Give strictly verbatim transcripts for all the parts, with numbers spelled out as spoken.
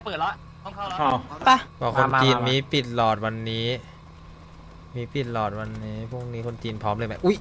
เปิดแล้วต้องเข้าแล้วไปบอกคนจีนมีปิดหลอดวันนี้มีปิดหลอดวันนี้พรุ่งนี้คนจีนพร้อมเลยไหมอุ้ย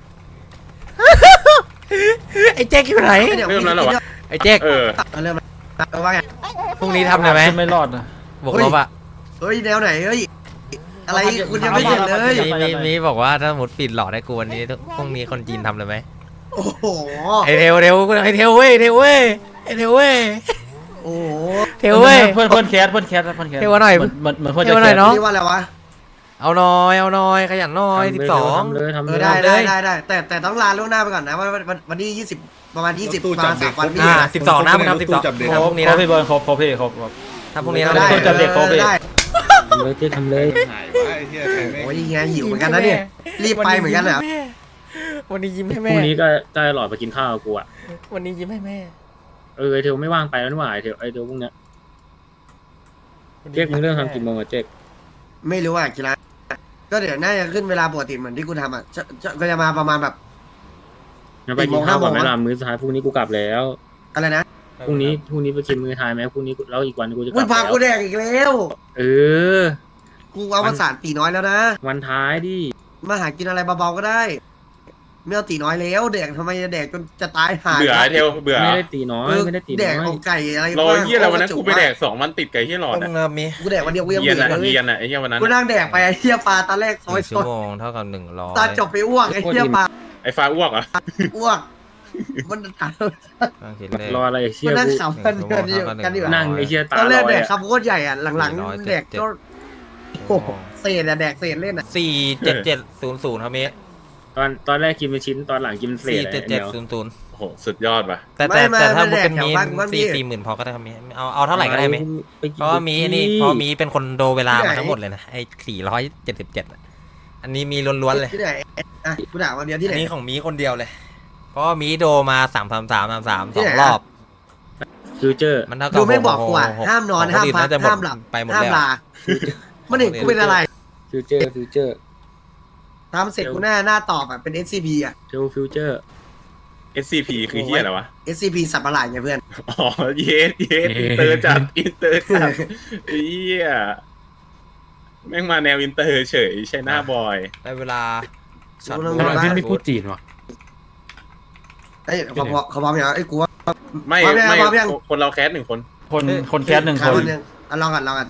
ไอ้แจ็คอยู่ไหนเริ่มแล้วเหรอวะไอ้แจ็คเออเริ่มแล้วว่าไงพรุ่งนี้ทำได้ไหมไม่รอดนะบวกลบอะเฮ้ยแนวไหนเฮ้ยอะไรคุณยังไม่เสร็จเลยมีมีมีบอกว่าถ้าหมดปิดหลอดให้กูวันนี้พรุ่งนี้คนจีนทำเลยไหมโอ้โหไอเทวเทวไอเทวเว้ยเทวเว้ยไอเทวเว้ยโอ้โหเทวเว้ยเพื่อนเพื่อนแคสเพื่อนแคสเพื่อนแคสเทวหน่อยเหมือนเหมือนเหมือนเพื่อนเทจะวหน่อยแคสเนาะนี่ว่าอะไรวะเอาหน่อยเอาหน่อยขยันหน่อยสิบสองทำเลยทำเอเลอย ได้ได้ได้ได้แต่แต่ต้องลาล่วงหน้าไปก่อนนะว่าวันวันที่ยี่สิบประมาณยี่สิบประมาณสามวันพี่อ่าสิบสองนะมึงทำสิบสองทำพรุ่งนี้ครนะบพี่บอลครบครบพี่ครบครบทำพรุ่งนี้ได้นะต้นจับเด็กเขาไปได้เลยเจ๊ทำเลยโอ้ยยังไงหิวเหมือนกันนะเนี่ยรีบไปเหมือนกันเหรอวันนี้ยิ้มให้พแม่รุ่งนี้ก็จะหลอดไปกินข้าวกับกูอ่ะวันนี้ยิ้มให้แม่เออไอเทลไม่ว่างไปแล้วนี่หว่าไอเทลไอเทลพวกเนี้ยเจ๊กมึงเรื่องทำกี่โมงอะเจ๊กไม่รู้อ่ะกีฬาก็เดี๋ยวน่าจะขึ้นเวลาปกติเหมือนที่กูทำอ่ะจะจะก็จะมาประมาณแบบงั้นไปกินข้าวก่อนไหมล่ะมื้อสุดท้ายพรุ่งนี้กูกลับแล้วอะไรนะพรุ่งนี้พรุ่งนี้ไปกินมื้อท้ายไหมพรุ่งนี้แล้วอีกวันกูจะกกูลับพาแล้วกูแดกอีกแล้วเออกูเอาประสานตีน้อยแล้วนะวันท้ายดิมาหากินอะไรเบาๆก็ได้ไม่เอาตีน้อยแล้วแดกทำไมจะแดกจนจะตายหาเบื่อไอเทลเบื่อไม่ได้ตีน้อยเออไม่ได้ตีแดน้กอยเอาไก่อะไรรอเฮียอะไรวันนั้นโคตกูไปแดกสองวันติดไก่เฮียหลอดต้อะองเริ่มมีกูแดกวันเดียวกูยังเยียนเบื่ออะเลยเยียนอะไอ้เฮียวันนั้นกูนั่งแดกไปไอ้เหี้ยปลาตอนแรกหซอยนึ่งซชั่อวย โมงเท่ากับหนึ่งร้อยตอนจบไปอ้วกไอ้เหี้ยปลาไอ้ฟ้าอ้วกเหรออ้วกมันถามตั้งคิดเลขรออะไรไอ้เชี่กูยนั่งกูขำกันกันอยู่กันอยู่นั่งไอ้เชี่ยตาตอนแรกลอแดยกอะคำโคตรใหญ่อ่ะหลังๆแดกก็โอ้โหเศษอะแดกเศษเล่นอ่ะสี่เจ็ดเจ็ดศูนย์ศูนย์ครับมีตอนตอนแรกกินเป็นชิ้นตอนหลังกินเป็นเศสี่ษเจ็ดไอ้เจ็ดแมวศูนย์ศูนย์โอ้โหสุดยอดว่ะแต่แต่แต่ถ้ามุกเป็นมีสี่สี่หมื่นพอก็ได้ครับมีเอาเอาเท่าไหร่ก็ได้ไหมไปกินเพราะว่ามีนี่เพราะมีเป็นคนโดเวลามาทั้งหมดเลยนะไอ้สี่ร้อยเจ็ดสิบเจ็ดอันนี้มีล้วนๆเลยที่ไหนอ่ะกูด่าวันเดียวที่ไหนอันนี้ของมีคนเดียวเลย เพราะว่ามีโดมาสามสามสามสามสามที่สอไหนงอะรอบฟิวเจอร์มันเท่ากับดูไม่บอกกูอ่ะหกห้ามนอนของห้ามคพักน่าจะหมดห้ามหลับไปหมดห้ามแล้วลามันเห็นกูเป็นอะไรฟิวเจอร์ฟิวเจอร์ทำเสร็จกูหน้าหน้าตอบอ่ะเป็น เอส ซี พี อ่ะเทลฟิวเจอร์เอส ซี พี คือเฮียอะไรวะเอส ซี พี สับประหลาดไงเพื่อนอ๋อเยสเยสอินเตอร์จัดอินเตอร์จัดไอ้เฮียแม่งมาแนวอินเตอร์เฉยใช่หน้าบอยได้เวลาช็อตรู้บูแล้วทว่าไม่พูดจีนวะเอ้ยเขาพอเขาพร้อมยังไอ้ยกูว่าไม่พร้อมยังไม่พร้อมยังคนเราแคสหนึ่งคนคนคนแคสหนึ่งคคนนหนึ่งอ่ะลองกันลองกัน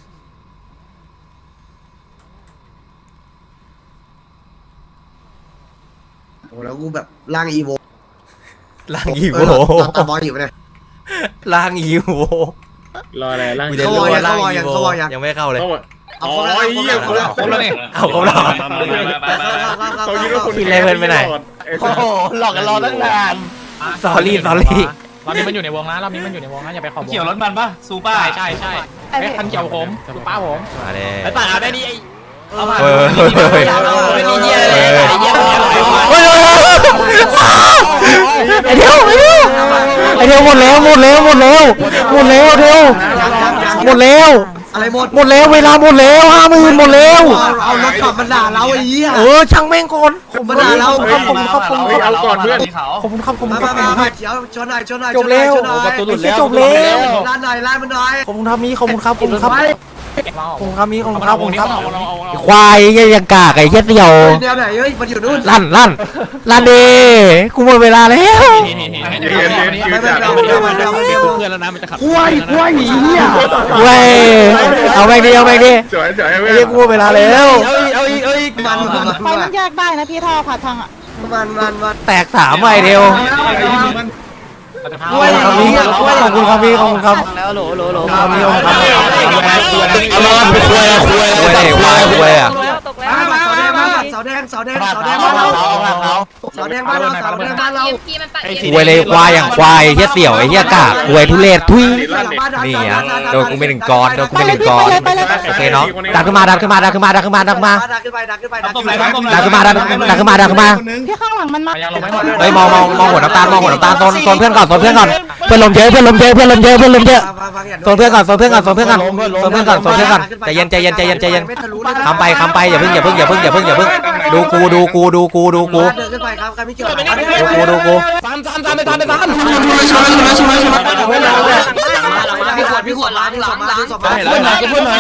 โอ้แล้วกูแบบร่างอีโวล่างอีโวตาบอลอยู่เนี่ยล่างอีโวรออะไรล่างกูจะรู้ว่าล่างอีโวยังไม่เข้าเลยก็อ๋เอาอครบแล้วไอ้เหี้ยครบแล้วครบแล้วนี่เอาครบแล้วเขาคิดว่าคนพี่เลเว่นไปไหนโอ้โหหลอกกันรอตั้งนานสอรี่สอรี่รอบนี้มันอยู่ในวงนะรอบนี้มันอยู่ในวงนะอย่าไปขอบวงเกี่ยวรถมันปะซูป้าใช่ใช่ใช่ไอ้คันเกี่ยวผมซูป้าผมมาเลยไอ้ป่าเอาได้นี่ไอ้เอามาเออไม่มีเยี่ยเลยไอ้เยี่ยเลยเฮ้ยไอเดียวไอเดียวไอเดียวหมดแล้วหมดแล้วหมดแล้วหมดแล้วเดียวหมดแล้วอะไรหมดหมดแล้วเวลาหมดแล้วห้าหมื่นหมดแล้วเอารถกลับมาด่าเราไอ้เหี้ยเออช่างแม่งก่อนผมมาด่าเราขอบคุณครับขอบคุณเฮ้ยครับเอาก่อนเพื่อนขอบคุณครับขอบคุณมาครับมามาเดี๋ยวชนหน่อยชนหน่อยจบแล้วชนหน่อยประตูหลุดแล้วจบแล้วร้านหน่อยร้านมันหน่อยขอบคุณครับมีขอบคุณครับขอบคุณครับไปขอบคุณครับมีขอบคุณครับขอบคุณครับเอาเอาเอาเอาควายยังกากไอ้เหี้ยเสี่ยวเดี๋ยวไหนเฮ้ยมันอยู่นู่นลั่นลั่นลั่นดีกูหมดเวลาแล้วไม่ไม่เราเราเราเราเพื่อนแล้วนะมันจะขับควายควายหนีเนี่ยเว้ยเอาแม่งดีเอาแม่งดีสวยสวยไอ้เว้ยเหี้ยกูหมดเวลาแล้วเอาอีกเอาอีกเอาอีกมันมันไฟมันแยกได้นะพี่ท่อผ่าทางอ่ะมันมันมันแตกสามไอเดียวควายขอบคุณครับขอบคุณครับพี่ขอบคุณครับแล้วโหลโหลโหลขอบคุณครับเอามาไปคุยอะคุยคุยอะไรควายคุยอ่ะเสาแดงเสาแดงเสาแดงเสาแดงบ้านเราเสาแดงบ้านเราเสาแดงบ้านเราคุยเลยควายอย่างควายไอ้เหี้ยเสี่ยวไอ้เหี้ยกากคุยทุเรศทุยนี่อ่ะโดนกูไปหนึ่งก้อนโดนกูไปหนึ่งก้อนโอเคเนาะดันขึ้นมาดันขึ้นมาดันขึ้นมาดันขึ้นมาดันขึ้นมาดักขึ้นไปดักขึ้นไปดักขึ้นไปดันขึ้นมาดันดันขึ้นมาดันขึ้นมาพี่ข้างหลังมันมายังลงไม่หมดเฮ้ยมองมองมองหัวน้ำตาลมองหัวน้ำตาลโซนโซนเพื่อนก่อนโซนเพื่อนก่อนเพื่อนลมเยอะเพื่อนลมเยอะเพื่อนลมเยอะเพื่อนลมเยอะโซนเพื่อนก่อนโซนเพื่อนก่อนโซนเพื่อนก่อนโซนเพื่อนก่อนโซนเพื่อนก่อนใจเย็นใจเย็นใจเย็นใจเย็นคำไปคำไปอย่าเพิ่งอย่าเพิ่งอย่าเพิ่งอย่าเพิ่งอย่าเพิ่งดูกูดูกูดูกูดูกูเดินขึ้นไปครับใครไม่เกี่ยวดูกูดูกูสามสามสามไปสามไปสามชนชนชนชนชนพี่ขวดพี่ขวดล้างหลังหลังสองมาเพื่อนหน่อยเพื่อนหน่อย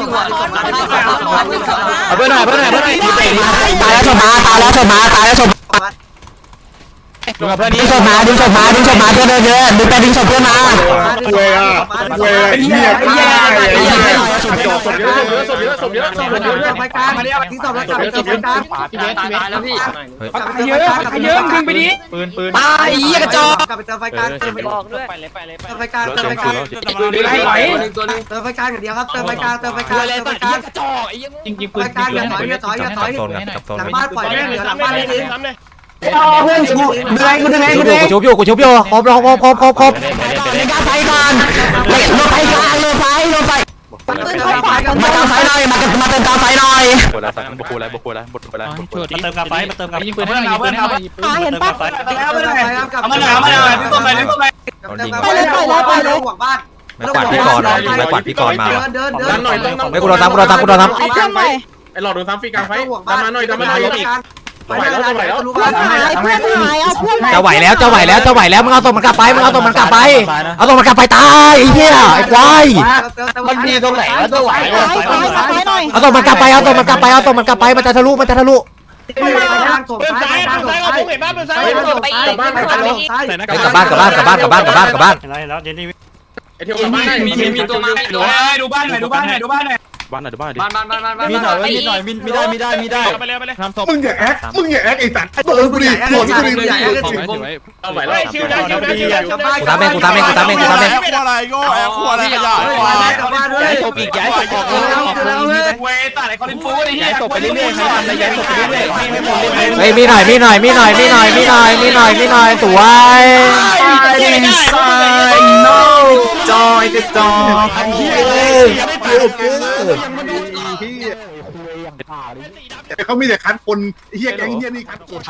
เพื่อนหน่อยเพื่อนหน่อยเพื่อนหน่อยตายแล้วศพมาตายแล้วศพมาตายแล้วศพดูกับเพื่อนนี้ดึงศพมาดึงศพมาดึงศพมาเพื่อนเยอะดึงไปดึงศพเพื่อนมาเว้ยอ่ะเว้ยเฮียเฮียศพเยอะศพเยอะศพเยอะศพเยอะศพเยอะศพเยอะไปกลางทิ้งศพแล้วกลับไปศพกลางพี่เบสพี่เบสแล้วพี่เยอะเยอะดึงไปดิปืนปืนตายเหี้ยกระจอกกลับไปเติมไฟกลางเติมไฟบอกด้วยไปเลยไปเลยไปเติมไฟกลางเติมไฟกลางให้ไหวเติมไฟกลางอย่างเดียวครับเติมไฟกลางเติมไฟกลางอะไรเติมตัไฟดกลางเหี้ยกระจอกไอ้เหี้ยจริงจริงไฟกลางอย่าถอยอย่าถอยอย่าถอยโซนกับโซนหลังบ้านปล่อยแม่เหลือหลังบ้านเลยดิเพื่อนกูดึงไงกูดึงไงกูชุบอยู่กูชุบอยู่ครบครบครบครบครบเล่นการไฟก่อนลงไฟกลางลงไฟลงไฟมาเติมไฟหน่อยมามาเติมกลางไฟหน่อยบทอะไรสักบทอะไรบทอะไรบทอะไรบทอะไรมาเติมกาไฟมาเติมกาไฟยิงปืนให้หน่อยยิงปืนให้หน่อยอ่าเห็นปะเอามาหน่อยเอามาหน่อยเอามาหน่อยเอามาหน่อยพี่ต้นไปพี่ต้นไปไปเลยไปเลยไปเลยห่วงบ้านไม่กวาดพี่กรณ์ไม่กวาดพี่กรณ์มาเดินเดินเดินดันหน่อยต้องต้องไม่กูโดนทำกูโดนทำกูโดนทเอาเพื่อนใหม่ไอ้หลอดโดนซ้ำฟรีกลางไฟดันมาหน่อยดันมาหน่อยไปแล้วไปแล้วเพื่อนหายเพื่อนหายเอาเพื่อนใหม่ำจะไหวแล้วจะไหวแล้วจะไหวแล้วมึงเอาตัวมันกลับไปมึงเอาตัวมันกลับไปเอาตัวมันกลับไปตายไอ้เหี้ยไอ้ควายมันมีตรงไหนวะตัวไหวไปไปไปไปหน่อยเอาตัวมันกลับไปเอาตัวมันกลับไปเอาตัวมันกลับไปมันจะทะลุมันจะทะลุเดินซ้ายเดินซ้ายผมเห็นบ้านเดินซ้ายกลับบ้านกลับบ้านซ้ายกลับบ้านกลับบ้านกลับบ้านกลับบ้านกลับบ้านกลับบ้านไอ้เที่ยวกลับบ้านได้มีมีมีตัวมาดูดูบ้านหน่อยดูบ้านหน่อยดูบ้านหน่อยบ้านไหนบ้านดิบ้านบ้านบ้านบ้านบ้านมีหน่อยมีหน่อยมีมีได้มีได้มีได้ไปเลยไปเลยทำศพมึงอย่าแอคมึงอย่าแอคไอ้สัตว์ตัวกูดิตัวกูดิมึงอย่าแอคจริงเอาไหวแล้วชิวได้ชิวได้ชิวได้ชิวได้กูตามเองกูตามเองกูตามเองกูตามเองอะไรโง่แอบขวดอะไรขยะกลับบ้านด้วยศพอีกย้ายศพออกเลยออกเลยเวตัดไอ้คอลินฟูไอ้เหี้ย้าย ยศพไปเรื่อยๆให้ทำเลยย้ายศพไปเรื่อยๆให้ให้หมดเลยเฮ้ยมีหน่อยมีหน่อยมีหน่อยมีหน่อยมีหน่อยมีหน่อยมีหน่อยสวยจอยกระจอกเขามีแต่คันคนเฮียแก๊งเฮียนี่คันคน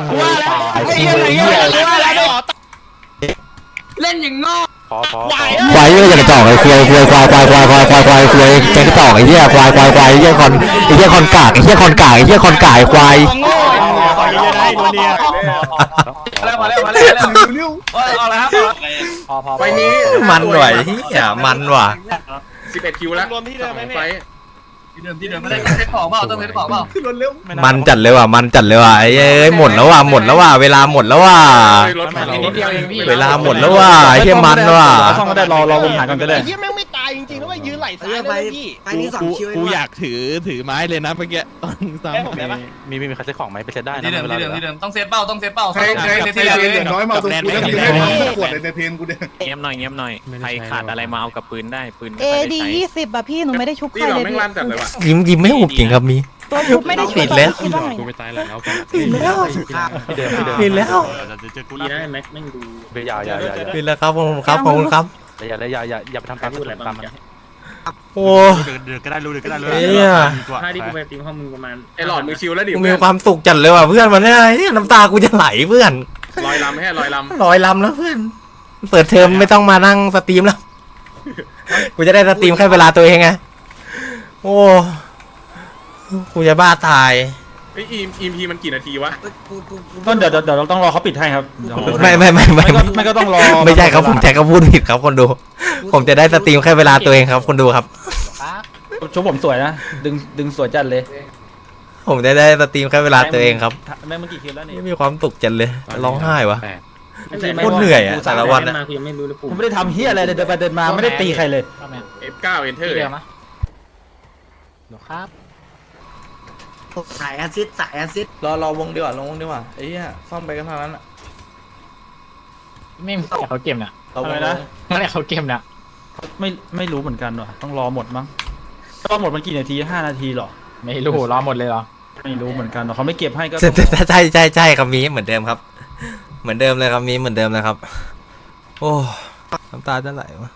เล่นอย่างงอพอพอควายเยอะอย่างกระจอกไอ้ควายควายควายควายควายควายควายควายควายแกงกระจอกไอ้เหี้ยควายควายควายไอ้เหี้ยคอนไอ้เหี้ยคอนกากไอ้เหี้ยคอนกากไอ้เหี้ยคอนกากควายโง่ต่อยเยอะได้โดนเนี่ยมาแล้วมาแล้วมาแล้วเร็วเอาละครับพอพอไฟนี้มันหน่อยเหี้ยมันว่ะสิบเอ็ดคิวแล้วรวมที่เดิมไหมไฟที่เดิมที่เดิมไม่ได้เซ็ตของเปล่าต้องเซ็ตของเปล่าขึ้นรถเร็วมันจัดเลยว่ะมันจัดเลยว่ะไอ้เอ้ยหมดแล้วว่ะหมดแล้วว่ะเวลาหมดแล้วว่ะรถผ่านนิดเดียวเองพี่เวลาหมดแล้วว่ะไอ้เหี้ยมันว่ะซ่อมก็ได้รอรอวงหากันก็ได้ไอ้เหี้ยแม่งไม่ตายจริงๆแล้วไปยืนไหลซ้ายไปเลยพี่ไปนี่สองคิวกูอยากถือถือไม้เลยนะเมื่อกี้ตอนซ้ำได้ปะมีมีมีใครใช้ของไหมไปเซ็ตได้นะที่เดิมเวลาที่เดิมที่เดิมต้องเซ็ตเป้าต้องเซ็ตเป้าใครใครในเทนอย่างน้อยมาตรงกูแล้วมีให้ขวดในเทนกูเนี่ยเงียบหน่อยเงียบหน่อยใครขาดอะไรมาเอากับปืนได้ปืนเอดียี่สิบอะพี่หนูไม่ได้ชุบใคนี่รเราเลยแม่งพี่ลั่นจัดเลยว่ะยิ้มยิ้มไม่หุบจริงครับมีตัวชุบไม่ได้ชุบปิดแล้วคิดว่าไงกูไม่ตายแล้วเอาก่อนปิดแล้วที่เดิมที่เดิมปิดแล้วดีนะแม็กแม่งดูไปยาวยาวยาวปิดแล้วครับขอบคุณครับขอบคุณครับอย่าอย่าอย่าอย่าไปทำตามพูดอะไรบ้าตาง มโอ้เดือดก็ได้รู้เดือดก็ได้รู้เหี้ยถ้าที่กูไปตีห้องมึงประมาณไอ้หลอดมือชิวแล้วดิกูมีความสุขจัดเลยว่ะเพื่อนวันนี้น้ำตากูจะไหลเพื่อนลอยลำให้ลอยลลอยลำแล้วเพื่อนเปิดเทอมไม่ต้องมานั่งสตรีมแล้วกูจะได้สตรีมแค่เวลาตัวเองไงโอ้กูจะบ้าตายำไอ้อีมอีพีมันกี่นาทีวะต้นเดี๋ยวเดี๋ยวเราต้องรอเขาปิดให้ครับไม่ไม่ไม่ไม่ไม่ก็ต้องรอไม่ใช่ครับผมแจ็คก็พูดผิดครับคนดู ผมจะได้สตรีมแค่เวลาตัวเองครับคนดูครับชุบผมสวยนะดึงดึงสวยจัดเลยผมจะได้สตรีมแค่เวลาตัวเองครับแม่เมื่อกี้คิวแล้วนี่ไม่มีความสุขจัดเลยร้องไห้วะโคโคตรเหนื่อยอะแต่ละวันอะมากูยังไม่รู้เลยผมไม่ได้ทำเฮียอะไรเลยเดินไปเดินมาไม่ได้ตีใครเลยเอฟเก้าเอนเตอที่ร์เดิมนะครับสายแอซิดสายแอซิดรอรอวงดีกว่าลงวงดีกว่าไอ้เหี้ยซ่อมไปกันทางนั้นอ่ะไม่แต่เขาเกมเนี่ยเราวงนั่นแหละเขาเกมเนี่ยไม่ไม่รู้เหมือนกันว่ะต้องรอหมดมั้งรอหมดมันกี่นาทีห้านาทีหรอไม่รู้รอหมดเลยเหรอไม่รู้เหมือนกันเขาไม่เก็บให้ก็ใช่ใช่ใช่ใช่ครับมีเหมือนเดิมครับ เหมือนเดิมเลยครับมีเหมือนเดิมเลยครับ โอ้น้ำตาจะไหลวะ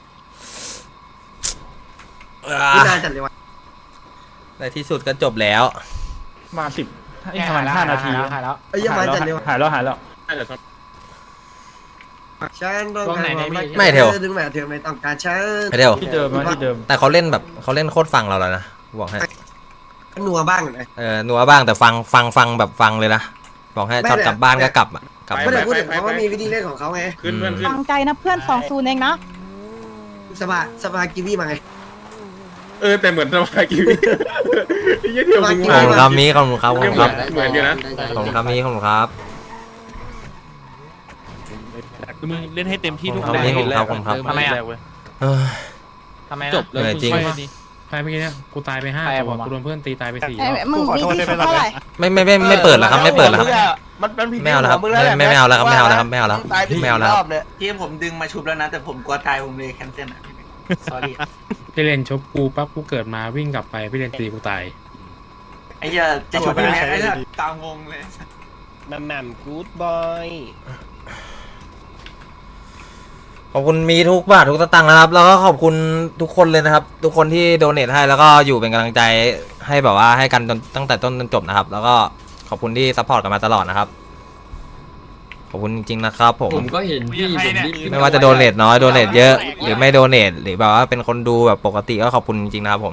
ที่นานจัดเลยว่ะในที่สุดก็จบแล้วมาสิบไอ้ประมาณห้านาทีหายแล้วไอ้ยังมาจัดเลยว่ะหายแล้วหายแล้วน่าจะชอบฉันต้องการดึงแหวนเธอไม่ต้องการฉันไม่เดียวที่เดิมมาที่เดิมแต่เขาเล่นแบบเขาเล่นโคตรฟังเราแล้วนะบอกให้นัวบ้างเลยเออนัวบ้างแต่ฟังฟังฟังแบบฟังเลยนะบอกให้ไม่ช็อตเลยกลับบ้านก็กลับอ่ะกลับไม่ได้พูดถึงเขาว่ามีวิธีเล่นของเขาไงขึ้นเพื่อนขึ้นฟังใจนะเพื่อนสองศูนย์เองนะวสภาสภากิวี่มาไงเออแต่เหมือนสมากิวิไอ้เหี้ยเที่ยวมึงขอบคุณครับมีขอบคุณครับขอบคุณครับเหมือนอยู่นะขอบคุณครับมีขอบคุณครับมึงเล่นให้เต็มที่ทุกขอบคุณครับขอบคุณครับทำไมอ่ะเออทำไมจบเลยเหนื่อยจริงใครเมื่อกี้เนี่ยกูตายไปห้าตัวกูโดนเพื่อนตีตายไปสี่ไอ้มึงมีที่ชุบเท่าไหร่ไม่ไม่ไม่ไม่เปิดแล้วครับไม่เปิดแล้วครับมันมันผิดไม่เอาแล้วครับไม่ไม่ไม่เอาแล้วครับไม่เอาแล้วครับไม่เอาแล้วไม่เอาแล้วครับพี่ผมดึงมาชุบแล้วนะแต่ผมกลัวตายผมเลยแคนเซิลอ่ะ sorry พี่เล่นชบกูปั๊บกูเกิดมาวิ่งกลับไปพี่เล่นตีกูตายไอ้เหี้ยจะชุบยังไงไอ้เหี้ยกลางวงเลยแม่แม่กู๊ดบอยขอบคุณมีทุกบาททุกสตางค์นะครับ แล้วก็ขอบคุณทุกคนเลยนะครับ ทุกคนที่โดเนทให้แล้วก็อยู่เป็นกำลังใจให้แบบว่าให้กันจนตั้งแต่ต้นจนจบนะครับ แล้วก็ขอบคุณที่ซัพพอร์ตกันมาตลอดนะครับ ขอบคุณจริงๆนะครับผมผมก็เห็นพี่ผมรีบไม่ว่าจะโดเนทน้อยโดเนทเยอะหรือไม่โดเนทหรือแบบว่าเป็นคนดูแบบปกติก็ขอบคุณจริงๆนะครับผม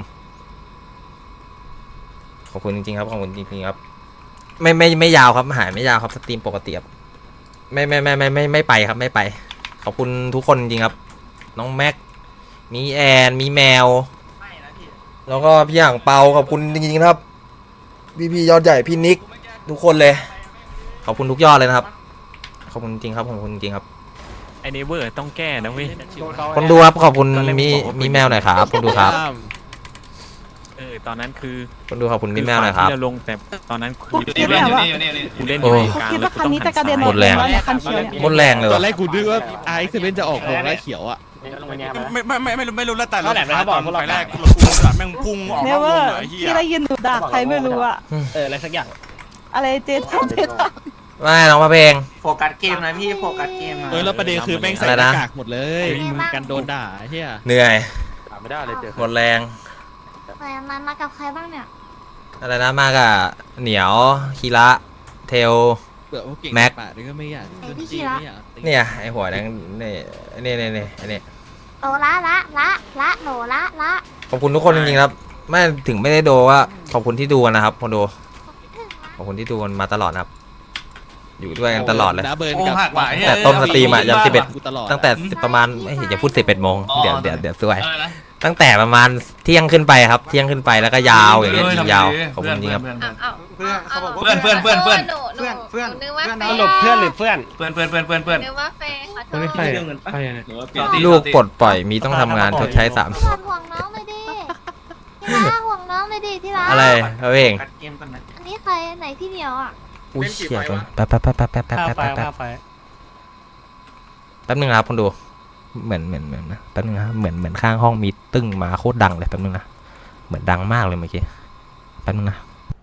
ขอบคุณจริงๆครับขอบคุณจริงๆครับ ไม่ไม่ไม่ยาวครับหายไม่ยาวครับสตรีมปกติครับไม่ไม่ไม่ไม่ไม่ไม่ไปครับไม่ไป ขอบคุณทุกคนจริงครับ น้องแม็กมีแอนมีแมวแล้วก็พี่อย่างเปาขอบคุณจริงๆครับพี่พี่ยอดใหญ่พี่นิกทุกคนเลย ขอบคุณทุกยอดเลยนะครับขอบคุณจริงครับขอบคุณจริงครับไอเนเวอร์ต้องแก้นะเว้ยคนดูครับขอบคุณมีมีแมวหน่อยครับคนดูครับเออตอนนั้นคือคนดูขอบคุณมีแมวหน่อยครับที่เราลงแต่ตอนนั้นคือคิดแบบว่ากูเล่นอโอ้ยู่ในกลางคิดแล้วว่ากูคันต้องนี้หัจะนกระเด็นซ้ายหมดแรงเนี่ยคันเขียวเนี่ยหมดแรงเลยตอวะนแรกกูนึกว่าไอซ์เซเว่นจะออกโรงแล้วเขียวอ่ะ ไม่ไม่ไม่ไม่รู้ไม่รู้แล้วแต่เราเขาบอกไฟแรกเราพุ่งแบบแม่งพุ่งออกเนนอกเววอง ร์เลยเฮียที่ได้ยินหนูด่าใครไม่รู้อะเอออะไรสักอย่างอะไรเจทันเจทันไม่น้องมาเพลงโฟกัสเกมนะพี่โฟกัสเกมนะเออแล้วประเด็นคือแม่งใส่อะไรหนะน้ากากหมดเลยมึงกันโดนด่าเฮียเหนื่อยไม่ได้เลยเจอหมดแรงมามากับใครบ้างเนี่ยอะไรนะมากอะเหนียวคีระเทลเบื่อพวกเก่งแม็กปากนี่ก็ไม่อยากไอ้พี่คีระไม่อยากตีเนี่ยไอหัวแดงนี่นี่นี่นี่อันนี้โอละละละละโหนละละขอบคุณทุกคนจริงๆครับไม่ถึงไม่ได้ดูว่าขอบคุณที่ดูกันนะครับคนดูขอบคุณที่ดูกันมาตลอดนะครับ อยู่ด้วยกันตลอดเลยนะเบิร์นโอ้กับหักหวายแต่ต้นสตรีมอะยันสิบเอ็ดกูตลอดตั้งแต่ประมาณไม่อย่าพูดสิบเอ็ดโมงเดี๋ยวเดี๋ยวเดี๋ยวสวยอะไรนะตั้งแต่ประมาณเที่ยงขึ้นไปครับ เที่ยงขึ้นไปแล้วก็ยาวอย่างเงี้ยยาวขอบคุณจริงครับเพื่อนเขาบอกเพื่อนเพื่อนเพื่อนเพื่อนเพื่อนเพื่อนนึกว่าแฟสรุปเพื่อนหรือเพื่อนเพื่อนเพื่อนเพื่อนเพื่อนเพื่อนนึกว่าแฟนขอโทคนนี้ษใครใครเนี่ยลูกปลดปล่อยมีต้องทำงานชดใช้สามห่วงน้องเลยดิที่รักห่วงน้องเลยดิที่รักอะไรเขาเองกัดเกมกันนะอันนี้ใครไหนพี่เหนียวอ่ะอุ้ยเชี่ยตัวแป๊บแป๊บแป๊บแป๊บแป๊บแป๊บแป๊บแป๊บแป๊บแป๊บนึงนะครับคนดูเหมือนเหมือนเหมือนนะแป๊บนึงนะครับเหมือนเหมือนข้างห้องมีตึ้งมาโคตรดังเลยแป๊บนึงนะเหมือนดังมากเลยเมื่อกี้แป๊บนึงนะ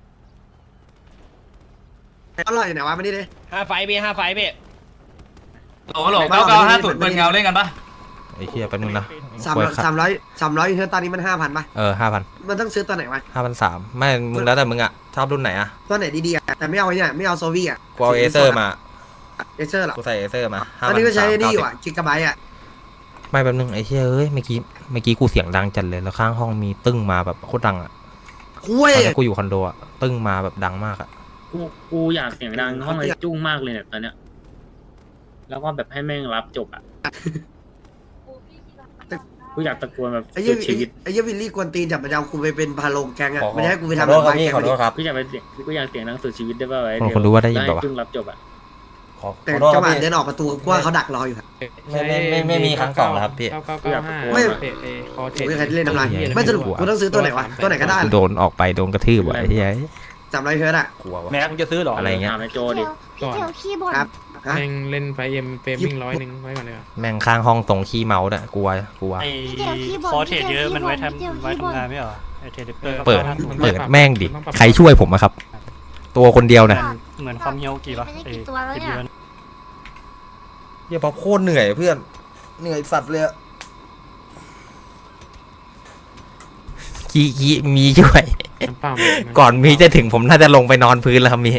อร่อยไหนวะมานี่ดิห้าไฟพี่ห้าไฟพี่โหลโหลเก้าเก้าห้าศูนย์เปิดเงาเล่นกันปะไอ้เหี้ยแป๊บนึงนะสามร้อยสามร้อยสามร้อยเฮือตอนนี้มันห้าพันป่ะเออห้าพันมันต้องซื้อตัวไหนวะห้าพันสามไม่มึงแล้วแต่มึงอะชอบรุ่นไหนอะตัวไหนดีๆอ่ะแต่ไม่เอาไอ้เนี่ยไม่เอาโซวี่อ่ะกูเอาเอเซอร์มาเอเซอร์เหรอกูใส่เอเซอร์มาตอนนี้ก็ใช้นี่อยู่อ่ะกิกะไบต์อ่ะไม่แป๊บนึงไอ้เหี้ยเอ้ยเมื่อกี้เมื่อกี้กูเสียงดังจัดเลยแล้วข้างห้องมีตึ้งมาแบบโคตรดังอะคุยตอนนี้กูอยู่คอนโดอะตึ้งมาแบบดังมากอะกูกูอยากเสียงดังห้องไอ้จุ้งมากเลยเนี่ยตอนเนี้ยแล้วก็แบบให้แม่งรับจบอ่ะกูอยากตะโกนแบบไอ้สุยี่ดชีวิตไอ้ยี่วิลลี่กวนตีนจับมาจะเอากูไปเป็นพาโลงแกงอ่ะขอไม่ได้ให้กูไปขอทำโทษครับไม้พี่แกงขอโทษครับกูอยากไปเสียงกูอยากเสียงดังสุดชีวิตได้ป่าวไอ้คนคนรู้ว่าได้ยินให้เปล่าวะจุ้งรับจบอ่ะขอแต่ขอโทษคจัรังบหวะพี่เดินออกประตูกูว่าเขาดักรออยู่ครับไม่ไม่ไม่ไม่มีครั้งสองแล้วครับพี่กูอยากตะโกนไม่แบบโอ้ยใครที่เล่นทำลายไม่สรุปกูต้องซื้อตัวไหนวะตัวไหนก็ได้โดนออกไปโดนกระทืบว่ะไอ้เหี้ยสามร้อยเฮิร์ตอ่ะกลัววะแม็กมึงจะซื้อหรออะไรเงี้ยถามไอ้โจดิพี่เทียวขี้บ่นครับฮะแม่งเล่นไฟเอ็มเฟรมมิ่งร้อยหนึ่งไว้ก่อนเลยอ่ะแม่งข้างห้องตรงขี้เมาส์น่ะกลัวกลัวพี่เทียวขี้บ่นคอเทรดเยอะมันไว้ทำไว้ทำงานไม่เปิดเปิดแม่งดิใครช่วยผมอะครับ ตัวคนเดียวน่ะเหมือนความเฮียวกี่วะไม่ได้กี่ตัวแล้วเนี่ยเหี้ยป๊อปโคตรเหนื่อยเพื่อนเหนื่อยสัตว์เลยขี้ขี้มีช่วยน้ำเปล่าก่อนมีจะถึงผมน่าจะลงไปนอนพื้นแล้วครับมีพี่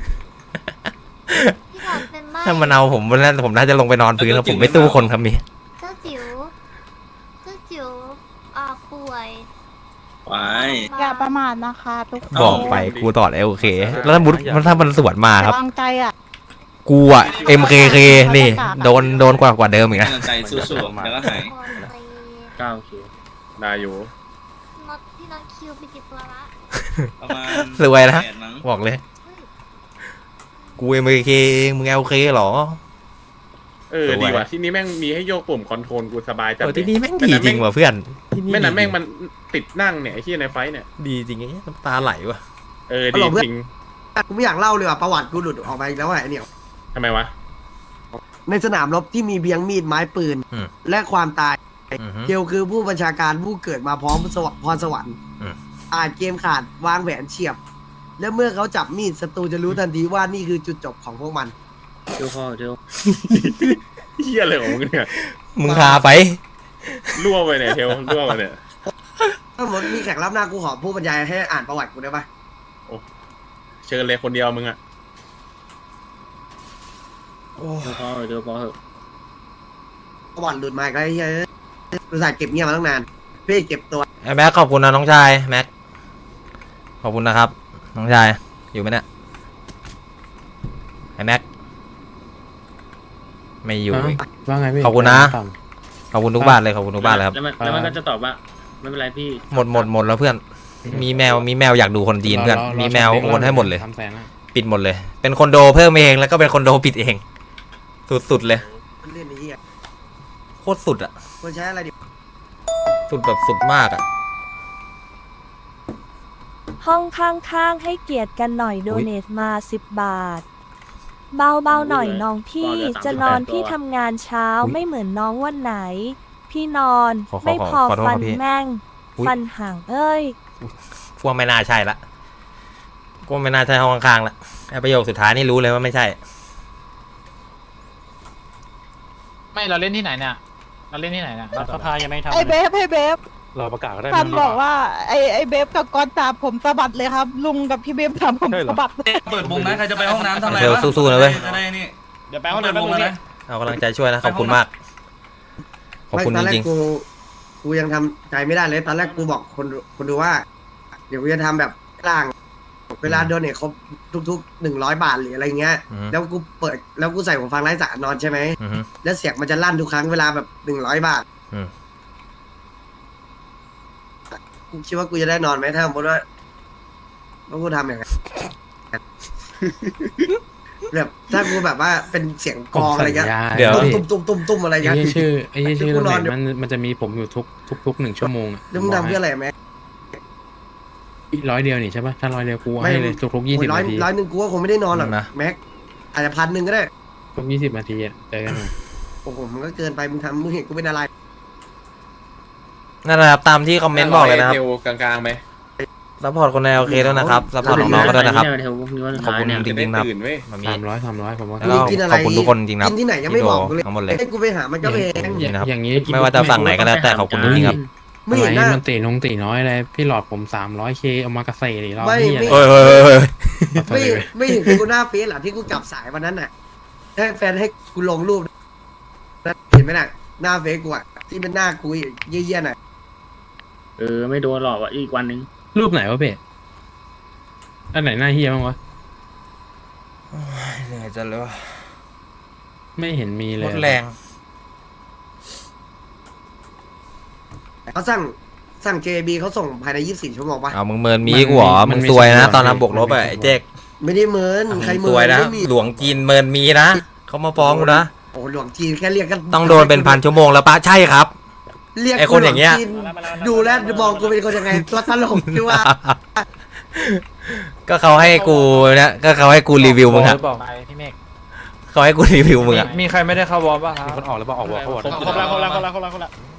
หลอดเป็นบ้าถ้ามันเอาผมน่าผมน่าจะลงไปนอนพื้นแล้วผมไม่สู้คนครับมีเจ้าจิ๋วเจ้าจิ๋วอ่าป่วยไปอย่าประมาทนะคะทุกคนบอกไปกูตอดโอเค แล้วถ้ามุดถ้ามันสวนมาครับวางใจอ่ะกูอะ เอ็ม เค เค นี่โดนโดนกว่ากว่าเดิมอีกนะใจสู้ๆแล้วก็หายเก้าคิวได้อยู่น็อตพี่น็อตคิวไปกี่ตัวละประมาณสวยนะแปดมั้งบอกเลย กูเอ็มเคเองมึงเอลเคหรอเออดีว่ะที่นี้แม่งมีให้โยกปุ่มคอนโทรลกูสบายจังเออที่นี่แม่งดีจริงว่ะเพื่อนที่แม่นั้นแม่งมันติดนั่งเนี่ยไอ้ที่ในไฟเนี่ยดีจริงไอ้น้ำตาไหลว่ะเออดีจริงกูไม่อยากเล่าเลยว่ะประวัติกูหลุดออกมาอีกแล้วว่ะไอ้เนี่ยทำไมวะในสนามรบที่มีเบียงมีดไม้ปืนอืมและความตายอือฮึเกลคือผู้บัญชาการผู้เกิดมาพร้อมสวพรสวรรค์อืมอ่านเกมขาดวางแผนเฉียบ และเมื่อเขาจับมีดศัตรูจะรู้ทันทีว่านี่คือจุดจบของพวกมันเดี๋ยวพอเดี๋ยวเฮียอะไรของมึงเนี่ยมึงพาไปรั่วไปเนี่ยเทลรั่วไปเนี่ยถ้าสมมติมีแขกรับหน้ากูขอผู้บรรยายให้อ่านประวัติกูได้ปะเชิญเลยคนเดียวมึงอะเดี๋ยวพอเดี๋ยวพอเหอะประวัติหลุดมาอีกแล้วไอ้เฮ้ยบริษัทเก็บเงียบมาตั้งนานพี่เก็บตัวไอ้แม็กขอบคุณนะน้องชายแม็กขอบคุณนะครับน้องชายอยู่ไหมเนี่ยไอ้แม็กไม่อยู่อีกว่าไงพี่ขอบคุณนะ ขอบคุณทุกบ้านเลยขอบคุณทุกบ้านเลยครับแล้วมันแล้วมันก็จะตอบว่าไม่เป็นไรพี่หมดหมดหมดแล้วเพื่อน มีแมวมีแมวอยากดูคนจีนเพื่อนมีแมวโอนให้หมดเลยทำแสงอะปิดหมดเลย เป็นคอนโดเพิ่มเองแล้วก็เป็นคอนโดปิดเอง สุดๆเลยมันเล่นไอ้เหี้ยโคตรสุดอะคนใช้อะไรดิสุดแบบสุดมากอะห้องข้างๆให้เกียรติกันหน่อยโดเนทมาสิบบาท เบาๆหน่อยน้องพี่จะนอนพี่ทำงานเช้าไม่เหมือนน้องวันไหน พี่นอนไม่พอฟันแม่งฟันห่างเอ้ยพวกไม่น่าใช่ละก็ไม่น่าใช่ห้องข้างๆละไอ้ประโยคสุดท้ายนี่รู้เลยว่าไม่ใช่ไม่เราเล่นที่ไหนเนี่ยเราเล่นที่ไหนเนี่ยสภายังไม่ทำไอเบฟไอเบฟเราประกาศก็ได้ซันบอกว่าไอไอเบฟกับกอนตามผมสะบัดเลยครับ ลุงกับพี่เบฟตามผมสะบัดเปิดมุมนะใครจะไปห้องน้ำทำอะไรเดี๋ยววะสู้ๆนะเว้ยจะได้นี่เดี๋ยวไปห้องเปิดน้ำมุมแป๊บนึงนะเอากำลังใจช่วยนะขอบคุณมาก ขอบคุณตอนจแรกริงกูกูยังทำใจไม่ได้เลยตอนแรกกูบอกคนดูคนดูว่า เดี๋ยวกูจะทำแบบกลาง เวลาโดนเนี่ยครบทุกๆหนึ่งร้อยบาทหรืออะไรเงี้ยอือฮึแล้วกูเปิดแล้วกูใส่หูฟังไร้สายนอนใช่ไหมๆอือฮึแล้วเสียงมันจะลั่นทุกครั้งเวลาแบบหนึ่งร้อยบาทอืมกูคิดว่ากูจะได้นอนไหมถ้าสมมติว่าว่ากูทำอย่างนั้น แบบถ้ากูแบบว่าเป็นเสียงกลองอะไรเงี้ยเดี๋ยวตุ้มตุ้มตุ้มตุ้มอะไรเงี้ยไอ้ชื่อไอ้ชื่อกูนอนมันมันจะมีผมอยู่ทุกทุกทุกหนึ่งชั่วโมงแล้วมึงทำเพื่ออะไรไหมร้อยเดียวนี่ใช่ปะถ้าร้อยเดียวกูไม่ให้เลยทุกทุกยี่สิบร้อยนาทีร้อยหนึ่งกูก็คงไม่ได้นอนหรอกนะแม็กอาจจะพันหนึ่งก็ได้ทุกยี่สิบนาทีอะเจอกันโอ้โหมันก็เกินไปมึงทำมึงเห็นกูเป็นอะไรนั่นแหละครับตามที่คอมเมนต์บอกเลยนะครับเทลกลางๆไหมซัพพอร์ตคนในโอเคด้วยนะครับซัพพอร์ตน้องๆก็ด้วยนะครับเดี๋ยวพรุ่งนี้วันขอบคุณท้ายเนี่ยจริงๆนะครับตื่นเว้ยมามีสามร้อยสามร้อยผมว่าแล้วก็ขอบคุณทุกคนจริงๆนะครับกินที่ไหนยังไม่บอกกูเลยทั้งหมดเลยให้กูไปหามันก็แพงจริงนะครับอย่างนี้ไม่ว่าจะฝั่งไหนก็แล้วแต่ขอบคุณจริงๆครับไม่ไม่เห็นหน้ามันตีนงตีน้อยเลยพี่หลอดผมสามร้อยเคเอามากระเซ่ดิรอบไม่นี้ไม่เฮ้ยเฮ้ยเฮ้ยเฮ้ยไม่ไม่เห็นกูหน้าเฟซเหรอที่กูจับสายวันนั้นน่ะให้แฟนให้กูลงรูปนะเห็นไหมน่ะหน้าเฟซกูอ่ะที่เป็นหน้ากูเยี่ยๆน่ะเออไม่โดนหลอกอ่ะอีกวันนึงรูปไหนวะเพ่อันไหนหน้าเฮียบ้างวะเหนื่อยจังเลยวะไม่เห็นมีเลรยถแรงเขาสั่งสั่ง เจ บี เขาส่งภายในยี่สิบสี่ชั่วโมงปะเอามึงเมินมีกูเหรอมึงซวยนะตอนนั้นบวกลบอะไอ้เจ๊กไม่ได้เมินใครมึงเมิซวยนนะไม่มีหลวงจีนเมินมีนะเขามาฟ้องกูนะโอ้หลวงจีนแค่เรียกกันต้องโดนเป็นพันชั่วโมงแล้วปะใช่ครับเรียกไอ้คนอย่างเงี้ยหลวจีดูแลวมองกูเป็นคนยังไงตัวตลกคือว่าก็เขาให้กูเนี่ยก็เขาให้กูรีวิวมึงอะไปพี่เมฆเขาให้กูรีวิวมึงอะมีใครไม่ได้เข้าวอร์มป่ะครับมีคนออกหรือเปล่าออกวอร์เขาบอกครบแล้วครบแล้วครบแล้วครบแล้วครบแล้ว